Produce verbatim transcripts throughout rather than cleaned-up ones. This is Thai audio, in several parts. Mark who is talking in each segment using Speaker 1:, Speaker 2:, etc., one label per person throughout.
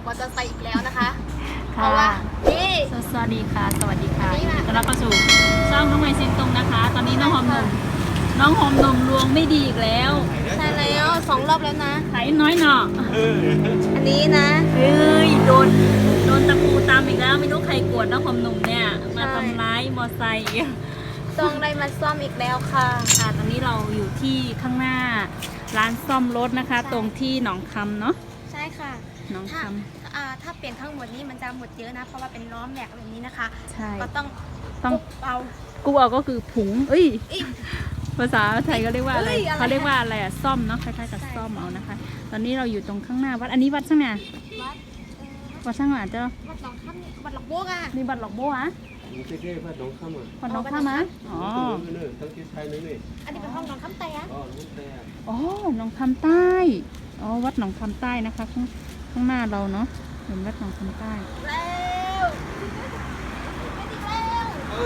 Speaker 1: มอเตอร์ไซค์อีกแล้วนะคะเพราะว่านี่
Speaker 2: สวัสดีค่ะสวัสดีค่ะ
Speaker 1: อันนี้มา
Speaker 2: ต้อนรับเข้าสู่ช่องน้องไมซินตรงนะคะ ตอนนี้น้องหอมหนุ่มน้องหอมหนุ่มลวงไม่ดีอีกแล้ว
Speaker 1: ใช่แล้วสองรอบแล้วนะ
Speaker 2: ไถน้อยหน่อ
Speaker 1: อันนี้นะ
Speaker 2: เฮ้ยโดนโดนตะปูตามอีกแล้วไม่รู้ใครกวดน้องหอมหนุ่มเนี่ยมาทำร้ายมอไซค์
Speaker 1: ต้องได้มาซ่อมอีกแล้วค่ะ
Speaker 2: ค่ะตอนนี้เราอยู่ที่ข้างหน้าร้านซ่อมรถนะคะ ตรงที่หนองคำเนาะ
Speaker 1: ใช่ค่ะ
Speaker 2: หนอง
Speaker 1: ถ้า
Speaker 2: ค
Speaker 1: อ่าถ้าเปลี่ยนทั้งหมดนี้มันจะหมดเยอะนะ เพราะว่าเป็นล้อแม็กแบบนี้นะคะ
Speaker 2: ำใช่
Speaker 1: ก็ต้อง
Speaker 2: ต้อง
Speaker 1: กุ๊บเอา
Speaker 2: กูเอาก็คือผุงเอ้ย
Speaker 1: อีก
Speaker 2: ภาษาไทยก็เรียกว่าอะไร
Speaker 1: เอ้ยอะไร
Speaker 2: เขาเรียกว่าอะไรอะซ่อมเนาะคล้ายๆกับ
Speaker 1: ใช่
Speaker 2: ซ่อมเอานะคะ ตอนนี้เราอยู่ตรงข้างหน้าวัดอันนี้วัดช่างไง
Speaker 1: วัด
Speaker 2: วัดช่างอ่ะเจ้า
Speaker 1: วัดหนองคำนี่วัดหลอกโบกอ่ะ
Speaker 2: นี่วัดหลอกโบอะ
Speaker 3: ไม่ใช่แค่วัดหนองคำอ่ะ
Speaker 2: วัดหลอกข้ามะอ๋อ
Speaker 3: ตั้งนี่ตั้งที่ไทยนี่นี่
Speaker 1: อันนี้เป็นห้องหนองคำแต่
Speaker 3: อ๋อนู่นแต่
Speaker 2: อ๋อหนองคำใต้อ๋อวัดหนองคำใต้นะคะข้างข้างหน้าเราเนาะเห็นวัดหนองคำใต้
Speaker 1: แล้วไม่ดีแล้ว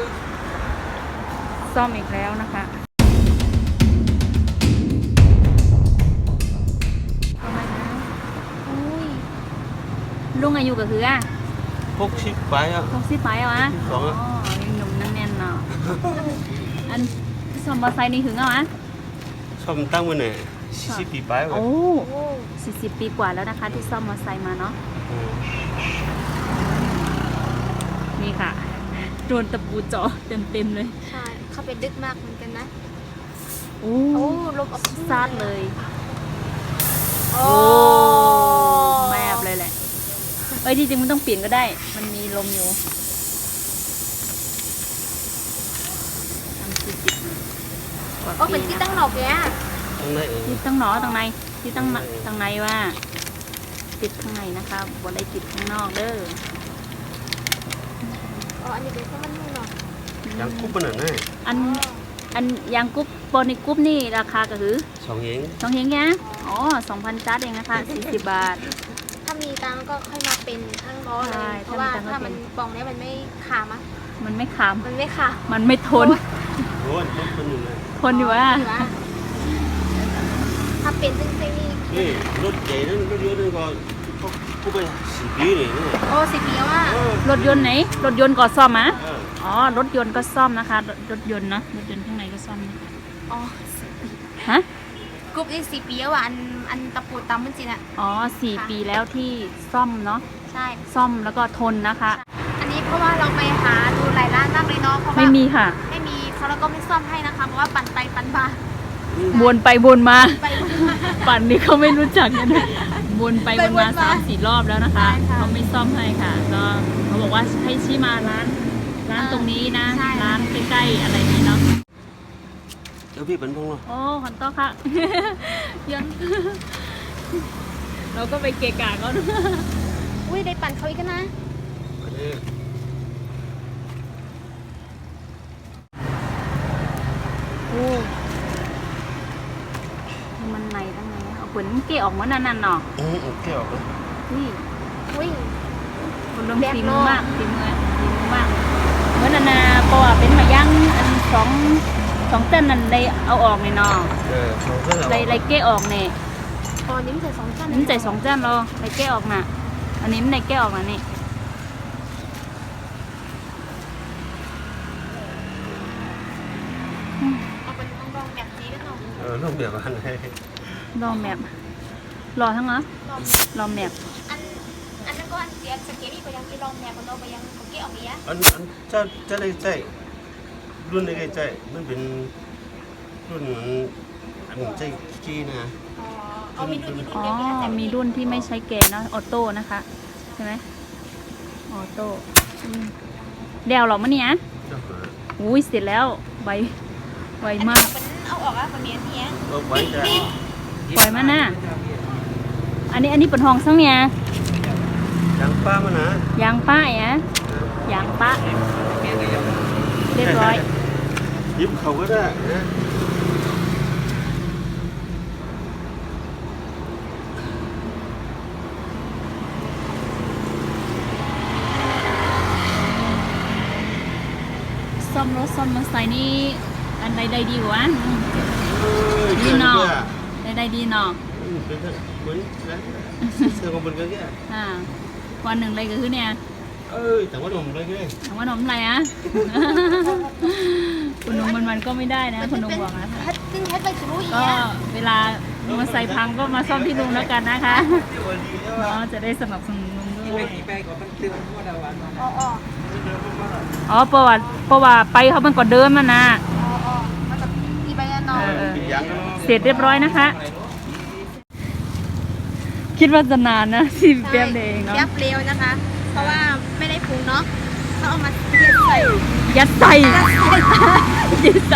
Speaker 2: ซ่อมอีกแล้วนะคะอุ้ยลุงอายุก็คืออ่ะ
Speaker 3: พกชิปไปอ่ะ
Speaker 2: หกสิบไปเหรอวะ
Speaker 3: สองอ่ะ
Speaker 2: อ๋อยังหนุ่มแน่นๆเนาะอันซ่อมมอเตอร์ไซค์นี่ถึงเหรอวะ
Speaker 3: ชอบตั้งมันเนี่ยสิบปีไปว่ะ
Speaker 2: โอ้
Speaker 1: โอ้
Speaker 2: สี่สิบปีกว่าแล้วนะคะที่ซ่อมมอเตอร์ไซค์มาเนาะนี่ค่ะโดนตะปูเจาะเต็มๆเลย
Speaker 1: ใช่เข้าไปดึกมากเหมือนกันนะ
Speaker 2: โอ้
Speaker 1: โอ้ลมออก
Speaker 2: ซาดเลย
Speaker 1: โอ้
Speaker 2: แมบเลยแหละเอ้ยจริงๆมันต้องเปลี่ยนก็ได้ มันมีลมอยู่ทำสี่สิบกว่า
Speaker 1: โอ้เป็น
Speaker 2: ปี
Speaker 1: ที่
Speaker 2: นะ
Speaker 1: ตั้งหลอกแก
Speaker 3: ตั้งไหนเอง
Speaker 2: ที่ตั้งหนอตรงในที่ตั้งตรงในว่า ติดข้างในนะคะบนได้ติดข้างนอกเด้อ
Speaker 1: อ๋ออันนี้เป็นข้าวมันนุ่มเนาะ
Speaker 3: ยังคุบมันน่ะ
Speaker 2: อันอันยางกรุ๊ปโปรนิกรุ๊ปนี่ราคาก็คือ
Speaker 3: สองเอง
Speaker 2: สองเฮงเนี้ยอ๋อสองพันจัดเองนะคะสี่สิบบาท
Speaker 1: ถ้ามีตังค์ก็ค่อยมาเป็นทั้งล้อเล
Speaker 2: ใช่
Speaker 1: ย เพราะว่า
Speaker 2: ถ้ามีตังค์ก็
Speaker 1: ถ้า
Speaker 2: เป็
Speaker 1: มัน นปองเนี้ยมันไม่ขามะ
Speaker 2: มันไม่ขาม
Speaker 1: มันไม่ขา
Speaker 2: มันไม่ทน
Speaker 3: โอ้ยรถคนหนึ่งเลย
Speaker 2: ทนอยู่ว่า
Speaker 1: หรือว่าถ้าเป็นซึ่งๆนี่
Speaker 3: นี่รถใหญ่นั่นรถเยอะนั่นก็เขาคุบไปสี่ปีเลยนี่
Speaker 1: โอ้สิบปีแล้วว่า
Speaker 2: รถยนต์ไหน รถยนต์ก็ซ่อมมะ
Speaker 3: เออ
Speaker 2: อ๋อ รถยนต์ก็ซ่อมนะคะ รถรถยนต์เนอะรถยนต์ข้างในก็ซ่อมนะ
Speaker 1: อ๋อ
Speaker 2: ฮะ
Speaker 1: กรุ๊ปนี่สิบปีแล้วอ่ะอันอันตะปูตำมันจริงอ่ะ
Speaker 2: อ๋อสี่ปีแล้วที่ซ่อมเนาะ
Speaker 1: ใช่
Speaker 2: ซ่อมแล้วก็ทนนะคะ
Speaker 1: อันนี้เพราะว่าเราไปหาดูหลายร้านมากเลยเนาะเพราะว่า
Speaker 2: ไม่มีค่ะ
Speaker 1: ไม่มีเขาแล้วก็ไม่ซ่อมให้นะคะเพราะว่าปั่นไปปั่นมา
Speaker 2: วนไปวนมา
Speaker 1: ไปวนมา
Speaker 2: ปั่นนี่เขาไม่รู้จักกันเลยวนไปวนมา
Speaker 1: ไปวนมา
Speaker 2: สามสี่รอบแล้วนะคะ
Speaker 1: ใช่ค่ะ
Speaker 2: เขาไม่ซ่อมให้ค่ะ ก็เขาบอกว่าให้ชี้มาร้าน ร้านตรงนี้นะ
Speaker 1: ใช่
Speaker 2: ร้านใกล้ๆอะไรนี้เนาะ
Speaker 3: เดี๋ยวพี่เป็นพงษ์เหรอ
Speaker 2: โอ้ขอนโต้ค่ะ ยัน เราก็ไปเกะกะเขาด้วย
Speaker 1: อุ้ยได้ปั่นเขาอีกแล้วนะ
Speaker 3: อันนี้
Speaker 2: โอ้มันในตั้งไงเอาขนเกะออกมานั่นน่ะเนาะ
Speaker 3: อืมโอเคออกเลย
Speaker 2: นี่
Speaker 1: อุ้ย
Speaker 2: คนลง
Speaker 1: แบบ
Speaker 2: ฝี
Speaker 1: โล
Speaker 2: มือมากฝีมือฝีมือมากเหมือนนานาเพราะว่าเป็นมาย่างอันสองสองเต้นนั่นเลยเอาออกเนี่ยเนาะ
Speaker 3: เออเขาก็เรา
Speaker 2: เลยเลยเกะออกเนี่ย
Speaker 1: ตอนนี้มันใส่สองจาน
Speaker 2: นี่ใจสองเต้นรอเลยเกะออกน่ะอันนี้มันเลยเกะออกน่ะนี่
Speaker 1: เอาเป็นรองๆแบบนี้กันเนาะ
Speaker 3: เออรูปแบบอันไหน
Speaker 2: รอแมพรอทั้งเหรอ
Speaker 1: ลอง
Speaker 2: รอแมพ
Speaker 1: อันอันนั้นก็อันเสียสเกตอีกไปยังที่ลองแมวกันเราไปยังเขาเกะออกอีกอ่ะ
Speaker 3: อันอันจะจะได้ใจรุ่นได้ใจมันเป็นรุ่นอันใจขี้นะ
Speaker 1: อ๋อเอามีรุ่นมีรุ่น
Speaker 2: อ๋อ
Speaker 1: เดียวกันแต่
Speaker 2: มีรุ่นที่ไม่ใช้เกณฑ์เนาะออโต้นะคะใช่ไหมออโต้อืมเดี๋ยวหรอมะเนี่ย
Speaker 3: เจ้าหา
Speaker 2: อุ้ยเสร็จแล้วไวไว
Speaker 1: อัน
Speaker 2: มา
Speaker 1: นี้
Speaker 2: ก
Speaker 1: มันเอาออกอ่ะคนนี้อันนี้
Speaker 3: เอาไว้จะ
Speaker 2: ปล่อยมันนะอันนี้อันนี้เป็นห้องซังเนี่ย
Speaker 3: ยางป้ามันนะ
Speaker 2: ยางป้ายอะยางป้าเรียบร้อย
Speaker 3: ยิบเขาก็ได้นะ
Speaker 2: ซ่อมรถซ่อมมอเตอร์ไซค์นี่อันใดใดดีกว่า
Speaker 3: เออ
Speaker 2: ดีเนาะใดใดดีเนาะ
Speaker 3: เป็นเหมือนเสื้อของมันก็แก่
Speaker 2: อ่าวันหนึ่งเลยก็คือเนี่ย
Speaker 3: เอ้ยแต่ว่าหนุ่มเลยไง
Speaker 2: ถามว่าน้องอะไรอ่ะ คุณนุ่มมันมันก็ไม่ได้นะคุณนุ่มบอกนะ
Speaker 1: เฮ็ดซึ่งเฮ็ดไปจะรู้อีก
Speaker 2: ก็
Speaker 1: เนี่ย
Speaker 2: เวลามาใส่พังก็มาซ่อมที่ลุงแล้วกันนะคะเนาะจะได้สนับสนุนลุงด้วย
Speaker 1: อ๋ออ๋อ
Speaker 2: อ๋อประวัติประวัติไปเขามันก่อนเดิมมันนะ
Speaker 1: อ๋ออ๋อมันจะมีใบแน่นอน
Speaker 2: เออเออ
Speaker 3: ยัง
Speaker 2: เสร็จเรียบร้อยนะคะ คิดว่าจะนานนะที่แป๊บเดียวเองเนาะ
Speaker 1: แป๊บเร็วนะคะ เพราะว่าไม่ได้ปรุงเนาะเขาเอามาเทียบใส่
Speaker 2: ยัดใส่ยัดใส่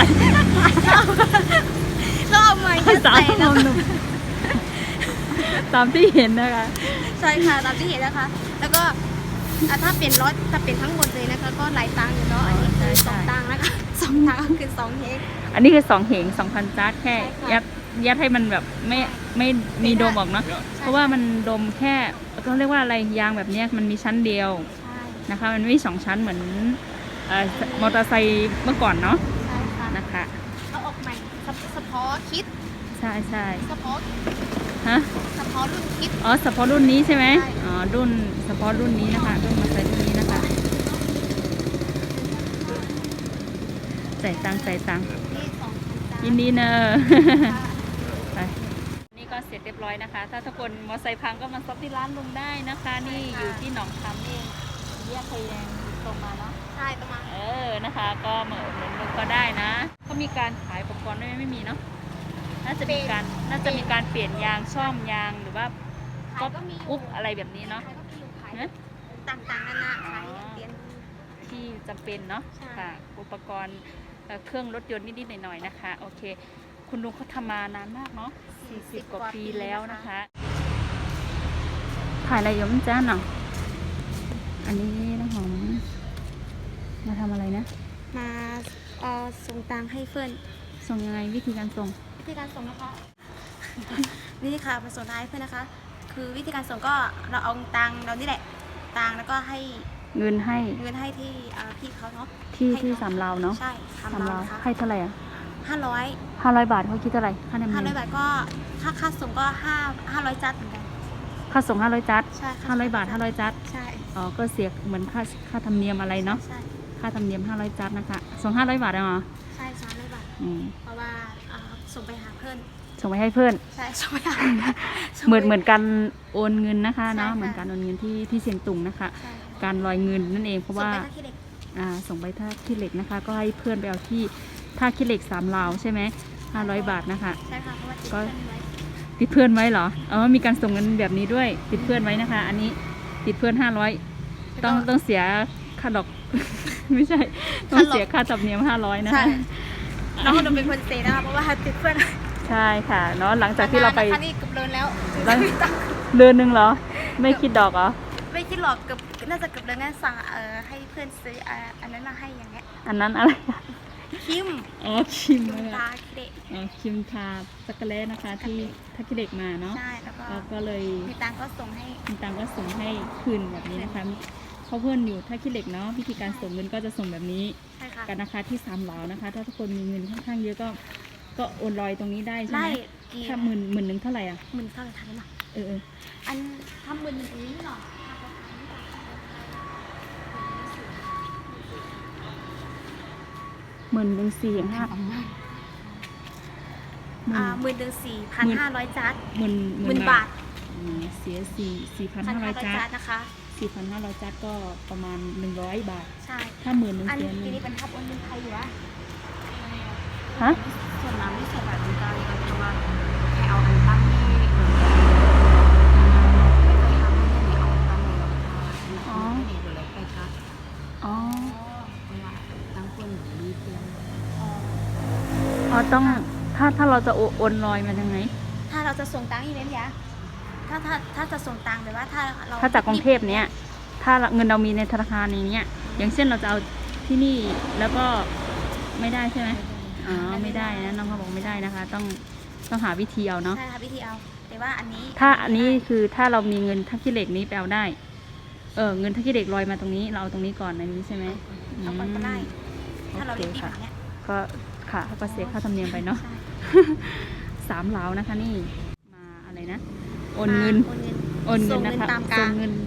Speaker 1: ก็เอามายัด
Speaker 2: สา
Speaker 1: ใส่
Speaker 2: ม
Speaker 1: แล้ว
Speaker 2: หนุ่มตามที่เห็นนะคะ
Speaker 1: ใช่ค่ะตามที่เห็นนะคะ แล้วก็อ่ะถ้าเป็นรถถ้าเป็นทั้งหมดเลยนะคะ ก็หลายตังค์อยู่เนาะอันนี้คือสองตังค์นะคะสองตังค์ก็คือสองเฮก
Speaker 2: อันนี้คือสองเหงสองพันจัดแค่
Speaker 1: ใช่ค่ะ
Speaker 2: ยัดยัดให้มันแบบไม่ไม่มีโดมออกเนาะเพราะว่ามันโดมแค่ก็เรียกว่าอะไรยางแบบเนี้ยมันมีชั้นเดียว
Speaker 1: ใช่
Speaker 2: นะคะมันไม่มีสองชั้นเหมือนเอ่อมอเตอร์ไซค์เมื่อก่อนเนาะ
Speaker 1: ใช่ค่ะ
Speaker 2: นะคะ
Speaker 1: เอาออกใหม่เฉเฉพาะคิด
Speaker 2: ใช่ใช่
Speaker 1: เฉพาะ
Speaker 2: ฮะ
Speaker 1: เฉพาะรุ่นคิด
Speaker 2: อ๋อเฉพาะรุ่นนี้ใช่ไหม
Speaker 1: ใช่
Speaker 2: อ๋อรุ่นเฉพาะรุ่นนี้นะคะรุ่นมอเตอร์ไซค์รุ่นนี้นะคะจ่ายตังค์จ่ายตังค์
Speaker 1: ที่สองพันจ้า
Speaker 2: ยินดีเนอะ
Speaker 1: ค่ะ
Speaker 2: ไปนี่ก็เสร็จเรียบร้อยนะคะ ถ้าทุกคนมอเตอร์ไซค์พังก็มาซับที่ร้านลุงได้นะคะ นี่อยู่ที่หนองคำนี่แยกไฟแดงตรงมาเนาะ
Speaker 1: ใช่ประมาณ
Speaker 2: เออนะคะ ก็มาอุดหนุนลุงก็ได้นะเขามีการขายอุปกรณ์ด้วยไหมไม่มีเนาะน่าจะมีการน่าจะมีการเปลี่ยนยางซ่อมยางหรือว่า
Speaker 1: ขายก็มีอยู่
Speaker 2: อุ๊บอะไรแบบนี้เนาะ
Speaker 1: ขายก็มีอยู่ขาย
Speaker 2: ฮะ
Speaker 1: ต่างๆนานาขายอย่างเดียว
Speaker 2: ที่จำเป็นเนาะ
Speaker 1: ใช่
Speaker 2: ค่ะอุปกรณ์เอ่อเครื่องรถยนต์นิดๆหน่อยๆนะคะโอเค คุณลุงเขาทำมานานมากเนาะสี่สิบกว่าปีแล้วนะคะถ่ายอะไรอยู่มั้งจ้าเนาะอันนี้น้ำหอมมาทำอะไรนะ
Speaker 1: มาเอ่อส่งตังค์ให้เพื่อน
Speaker 2: ส่งยังไงวิธีการส่ง
Speaker 1: วิธีการส่งนะคะ วิธีค่ะมาส่งตังค์ให้เพื่อนนะคะ คือวิธีการส่งก็เราเอาตังค์เรานี่แหละตังค์แล้วก็ให้
Speaker 2: เงินให้
Speaker 1: เงินให้ที่เอ่อพี่เขาเนาะ
Speaker 2: ที่
Speaker 1: ให้
Speaker 2: ที่
Speaker 1: เข
Speaker 2: สามเราเนาะ
Speaker 1: ใช่สาม
Speaker 2: สาม
Speaker 1: เรา
Speaker 2: เรา
Speaker 1: ค่ะ
Speaker 2: ให้เท่าไหร่อ่ะ
Speaker 1: ห้าร้อย
Speaker 2: ห้าร้อยบาทเขาคิดเท่าไหร่ค่าธรรม
Speaker 1: ห้า
Speaker 2: เนี
Speaker 1: ร้อย
Speaker 2: ยม
Speaker 1: บาทก็ค่าค่าส่งก็ห้าห้าร้อยจัดเหมือนกัน
Speaker 2: ค่าส่งห้าร้อยจัด
Speaker 1: ใช่ค่ะ
Speaker 2: ห้าร้อยบาทห้าร้อยจัด
Speaker 1: ใช่
Speaker 2: อ๋อก็เสียเหมือนค่าค่าธรรมเนียมอะไรเนาะ
Speaker 1: ใช่
Speaker 2: ค่าธรรมเนียมห้าร้อยจัดนะคะส่งห้าร้อยบาทเหรอ
Speaker 1: ใช่สามร้อยบาท
Speaker 2: อืม
Speaker 1: เพราะว่าเอ่อส่งไปหาเพื่อน
Speaker 2: ส่งไปให้เพื่อน
Speaker 1: ใช่ส่งไปหาส่ง
Speaker 2: เห
Speaker 1: ไป
Speaker 2: มือนเหมือนการโอนเงินนะคะ
Speaker 1: ใช่
Speaker 2: เนาะ
Speaker 1: ค่ะ
Speaker 2: เหมือนการโอนเงินที่ที่เซียงตุงนะคะ
Speaker 1: ใช่
Speaker 2: การลอยเงินนั่นเองเพราะ
Speaker 1: ส่ง
Speaker 2: ว่า
Speaker 1: ไปที่เด็ก
Speaker 2: อ่าส่งไปท่าขี้เหล็กนะคะ ก็ให้เพื่อนไปเอาที่ท่าขี้เหล็กสามลาวใช่ไหมห้าร้อยบาทนะคะ
Speaker 1: ใช่ค่ะเพราะว่าติด
Speaker 2: ก็
Speaker 1: เพื่อนไว้
Speaker 2: ติดเพื่อนไว้เหรออ๋อมีการส่งเงินแบบนี้ด้วยติดเพื่อนไว้นะคะ อันนี้ติดเพื่อนห้าร้อยต้องต้องเสียค่าดอก ไม่ใช่ต้องเสียค่าธรรมเนียมห้าร้อยนะ
Speaker 1: ใช่
Speaker 2: คะ
Speaker 1: น้องเราเป็นคนเสียนะคะเพราะว่าติดเพื่อน
Speaker 2: ใช่ค่ะเนาะหลังจากที่เราไป
Speaker 1: นนนะคะนี่เกือบเดินแล้ว
Speaker 2: แล้ว เดือนหนึ่งเหรอ ไม่คิดดอกเหรอ
Speaker 1: ไม่คิดหรอกเกือบน่าจะเกือบเดินงั้นสั่งเอ่อให้เพื่อนซื้ออ่าอันนั้นมาให้อย่างเงี้ย
Speaker 2: อันนั้นอะไร
Speaker 1: คิม
Speaker 2: อ๋อคิม
Speaker 1: คิม
Speaker 2: เลย
Speaker 1: ตา
Speaker 2: อะ
Speaker 1: คิเดะ
Speaker 2: อ๋อคิมทาสักกะเลนะคะที่ทักกิเด็กมาเนาะ
Speaker 1: ใช่แล้วก็
Speaker 2: แล้วก็เลย
Speaker 1: มีตังค์ก็ส่งให้
Speaker 2: มีตังก็ส่งให้คืนแบบนี้นะคะเพราะเพื่อนอยู่ทักกิเด็กเนาะวิธีการส่งเงินก็จะส่งแบบนี้
Speaker 1: ใช่ค่ะ
Speaker 2: กันนะคะที่สามเหลานะคะ ถ้าทุกคนมีเงินค่อนข้างเยอะก็ก็โอนลอยตรงนี้ได้ใช่
Speaker 1: ได้
Speaker 2: ไหม
Speaker 1: กี่
Speaker 2: ถ้าหมื่นหมื่นหนึ่งเท่าไหร่อ่ะ
Speaker 1: หมื่นเท่าไหร่ทันหรอ
Speaker 2: เออเออ
Speaker 1: อันทำหมื่นหนึ่งอันนี้หรอ
Speaker 2: หมื่นหนึ่งสี่อย่างห้า
Speaker 1: อ่าหมื่นหนึ่งสี่พันห้าร้อยจัด
Speaker 2: หมื่น
Speaker 1: หมื่นบาท
Speaker 2: อืมเสียสี่สี่พัน
Speaker 1: พัน
Speaker 2: ห้าร้
Speaker 1: ห้า
Speaker 2: อย
Speaker 1: ร้อย
Speaker 2: จั
Speaker 1: จั
Speaker 2: ด
Speaker 1: ดนะคะ
Speaker 2: สี่พันห้าร้อยจัดก็ประมาณหนึ่งร้อยบาท
Speaker 1: ใช่
Speaker 2: ถ้าหมื่นหนึ่ง
Speaker 1: อัน
Speaker 2: เสียห
Speaker 1: ที
Speaker 2: นึ่ง
Speaker 1: นี้เป็นทับโอนเงินไทยอยู่วะ
Speaker 2: ฮะ
Speaker 1: ส่วนน้ำที่ใส่แบบนี้ก็เลยก็คือว่าแค่เอาอันตั้งนี่เหมือนกันไม่เคยทำไม่ได้เอาตั้งเลยหรอกค่ะ
Speaker 2: อ๋อ
Speaker 1: ไม่ได้เลยไปค่ะ
Speaker 2: อ๋อ
Speaker 1: เวลาตั้งคนมีเพียง
Speaker 2: อ๋อต้องถ้าถ้าเราจะโอโอนลอยมันยังไง
Speaker 1: ถ้าเราจะส่งตังค์อีเวนต์ยะถ้าถ้าถ้าจะส่งตังค์หรือว่าถ้าเรา
Speaker 2: ถ้าจากกรุงเทพเนี้ยถ้าเงินเรามีในธนาคารในเนี้ยอย่างเช่นเราจะเอาที่นี่แล้วก็ไม่ได้ใช่ไหมอ๋อไม่ได้นะน้องเขาบอกไม่ได้นะคะ ต้องต้องหาวิธีเอาเนาะ
Speaker 1: ใช่ค่ะวิธีเอา แต่ว่าอันนี้
Speaker 2: ถ้าอันนี้คือถ้าเรามีเงินทักกิเหล็กนี้ไปเอาได้ เออเงินทักกิเหล็กลอยมาตรงนี้เราเอาตรงนี้ก่อนในนี้ใช่ไหม
Speaker 1: เอาก่อนก็ได้ ถ้าเรา
Speaker 2: โอเค
Speaker 1: เรียนที่
Speaker 2: ค่ะ
Speaker 1: แบบเนี้ย
Speaker 2: ก็ค่ะก็เสียค่าธรรมเนียมไปเนาะ
Speaker 1: ใช่
Speaker 2: สามเหลานะคะนี่มาอะไรนะโอนเงิน
Speaker 1: โอนเงิน
Speaker 2: โอนเงิน
Speaker 1: ส่ง
Speaker 2: นะคะ
Speaker 1: ตามกา
Speaker 2: ส่
Speaker 1: รง
Speaker 2: เงินโ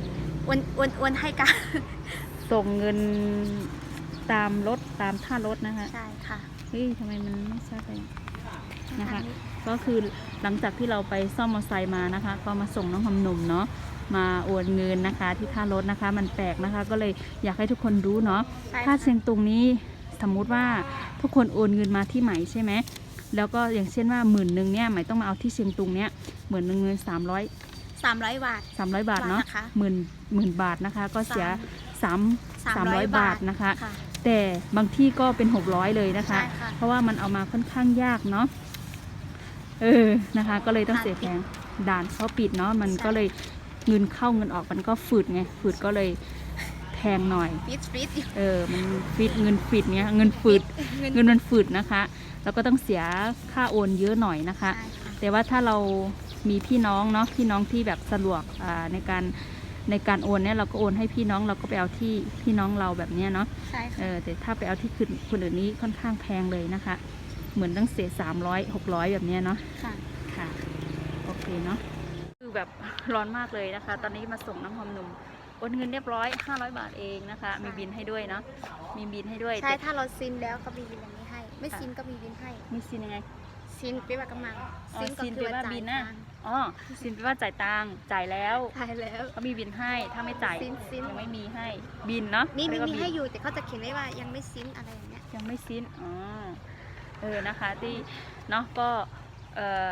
Speaker 1: โอนโอนโอนให้กัน
Speaker 2: ส่งเงินตามรถตามท่ารถนะคะ
Speaker 1: ใช่ค่ะ
Speaker 2: เฮ้ยทำไมมันไม่ชัดเลยนะคะ ก็คือหลังจากที่เราไปซ่อมมอเตอร์ไซค์มานะคะ ก็มาส่งน้องหอมหนุ่มเนาะมาโอนเงินนะคะ ที่ท่ารถนะคะ มันแปลกนะคะ ก็เลยอยากให้ทุกคนรู้เนาะ
Speaker 1: ใช่ค่ะ
Speaker 2: ค่าเชียงตุงนี้สมมุติว่าทุกคนโอนเงินมาที่ไหมใช่ไหมแล้วก็อย่างเช่นว่าหมื่นหนึ่งเนี่ยไหมต้องมาเอาที่เชียงตุงเนี่ยหมื่นหนึ่งเงินสามร้อย
Speaker 1: สามร้อยบาท
Speaker 2: สามร้อยบาทเนาะ
Speaker 1: บาทนะคะ
Speaker 2: หมื่นหมื่นบาทนะคะ ก็เสียสามสามร้อย
Speaker 1: สามร้อย
Speaker 2: บาทนะคะ
Speaker 1: ค่ะ
Speaker 2: แต่บางที่ก็เป็นหกร้อยเลยนะคะ
Speaker 1: ใช่ค่ะ
Speaker 2: เพราะว่ามันเอามาค่อนข้างยากเนาะเออนะคะ ก็เลยต้องเสียแพงด่านเขาปิดเนาะมันก็เลยเงินเข้าเงินออกมันก็ฝืดไงฝืดก็เลยแพงหน่อย
Speaker 1: ฟิตฟิต
Speaker 2: เออมันฟิตเงินฟิตเงี้ยเงินฝืด
Speaker 1: เงิน
Speaker 2: เงินมันฝืดนะคะแล้วก็ต้องเสียค่าโอนเยอะหน่อยนะคะ
Speaker 1: ใช่ค่ะ
Speaker 2: แต่ว่าถ้าเรามีพี่น้องเนาะพี่น้องที่แบบสะดวกอ่าในการในการโอนเนี่ยเราก็โอนให้พี่น้องเราก็ไปเอาที่พี่น้องเราแบบเนี้ยเนาะ
Speaker 1: ใช่
Speaker 2: เอ
Speaker 1: ค่ะ
Speaker 2: อแต่ถ้าไปเอาที่คนคนอื่นนี้ค่อนข้างแพงเลยนะคะ เหมือนต้องเสียสามร้อยหกร้อยแบบเนี้ยเนาะ
Speaker 1: ค่ะ
Speaker 2: ค่ะโอเคเนาะคือแบบร้อนมากเลยนะคะ ตอนนี้มาส่งน้ำหอมหนุ่มโอนเงินเรียบร้อยห้าร้อยบาทเองนะคะ มีบินให้ด้วยเนาะมีบินให้ด้วย
Speaker 1: ใช่
Speaker 2: แต่
Speaker 1: ถ้าเราซินแล้วก็มีบินอันนี้ให้ ไม่ซินก็มีบินให้
Speaker 2: มีซินยังไง
Speaker 1: ซินไปว่ากำลัง
Speaker 2: อ๋อ
Speaker 1: ก็
Speaker 2: ซิน
Speaker 1: คื
Speaker 2: แปลว่า
Speaker 1: จ่ย
Speaker 2: บินนะ
Speaker 1: ตังค์
Speaker 2: อ๋อซินแปลว่าจ่ายตังค์จ่ายแล้ว
Speaker 1: ใช่แล้ว
Speaker 2: เขามีบินให้ถ้าไม่จ่าย
Speaker 1: ซินซิน
Speaker 2: ยังไม่มีให้บินเนาะ
Speaker 1: นี่มี
Speaker 2: เรียกว่า
Speaker 1: มี
Speaker 2: บิน
Speaker 1: ให้อยู่แต่เขาจะเขียนไว้ว่ายังไม่ซินอะไรอย่างเงี้ย
Speaker 2: ยังไม่สิ้นอ๋อเออนะคะที่เนาะก็เออ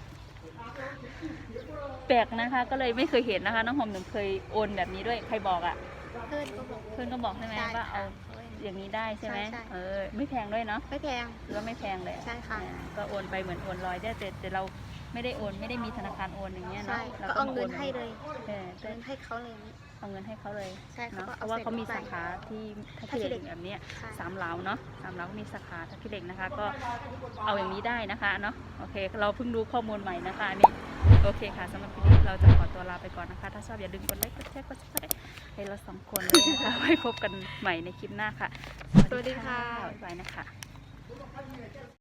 Speaker 2: แปลกนะคะ ก็เลยไม่เคยเห็นนะคะน้องหอมหนึ่งเคยโอนแบบนี้ด้วยใครบอกอะ่ะ
Speaker 1: เพื่อนก็บอก
Speaker 2: เพื่อนก็บอกใช่ไหม
Speaker 1: ได้
Speaker 2: ว่าเอา
Speaker 1: ค่ะ
Speaker 2: อย่างนี้ได้ใช่ไหม
Speaker 1: ใช่ใช่
Speaker 2: เออไม่แพงด้วยเนาะ
Speaker 1: ไม่แพง
Speaker 2: หรือว่าไม่แพงเลย
Speaker 1: ใช่ค่ะ
Speaker 2: อ่าก็โอนไปเหมือนโอนลอยได้แต่แต่เราไม่ได้โอนไม่ได้มีธนาคารโอนอย่างเงี้ย
Speaker 1: ใช่
Speaker 2: เนาะ
Speaker 1: ก็
Speaker 2: ต้
Speaker 1: เอา
Speaker 2: ม
Speaker 1: เงิน
Speaker 2: โ
Speaker 1: ให้เลย
Speaker 2: เออ
Speaker 1: เงินให้เขาเลยนี่
Speaker 2: เอาเงินให้เขาเลย
Speaker 1: ใช่เขา
Speaker 2: เนาะ
Speaker 1: ก็
Speaker 2: เพ
Speaker 1: เอา
Speaker 2: ราะว่าเขามี
Speaker 1: ใส่
Speaker 2: สาขาที่ท่า
Speaker 1: ท่าขี้
Speaker 2: ขี้เห
Speaker 1: เหล็
Speaker 2: ล็ก
Speaker 1: ก
Speaker 2: แบบเนี้ย
Speaker 1: ใช่
Speaker 2: สามเหลาเนาะสามเหลาก็มีสาขาท่าขี้เหล็กนะคะ ก็เอาอย่างนี้ได้นะคะเนาะโอเค เราเพิ่งรู้ข้อมูลใหม่นะคะอันนี้โอเคค่ะสำหรับคลิปนี้เราจะขอตัวลาไปก่อนนะคะ ถ้าชอบอย่าลืมกดไลค์กดแชร์กดซับสไครต์ให้เราสองคนเลยนะคะ ไว้พบกันใหม่ในคลิปหน้าค่ะ
Speaker 1: สวัสดีค่ะ
Speaker 2: บ๊ายบายนะคะ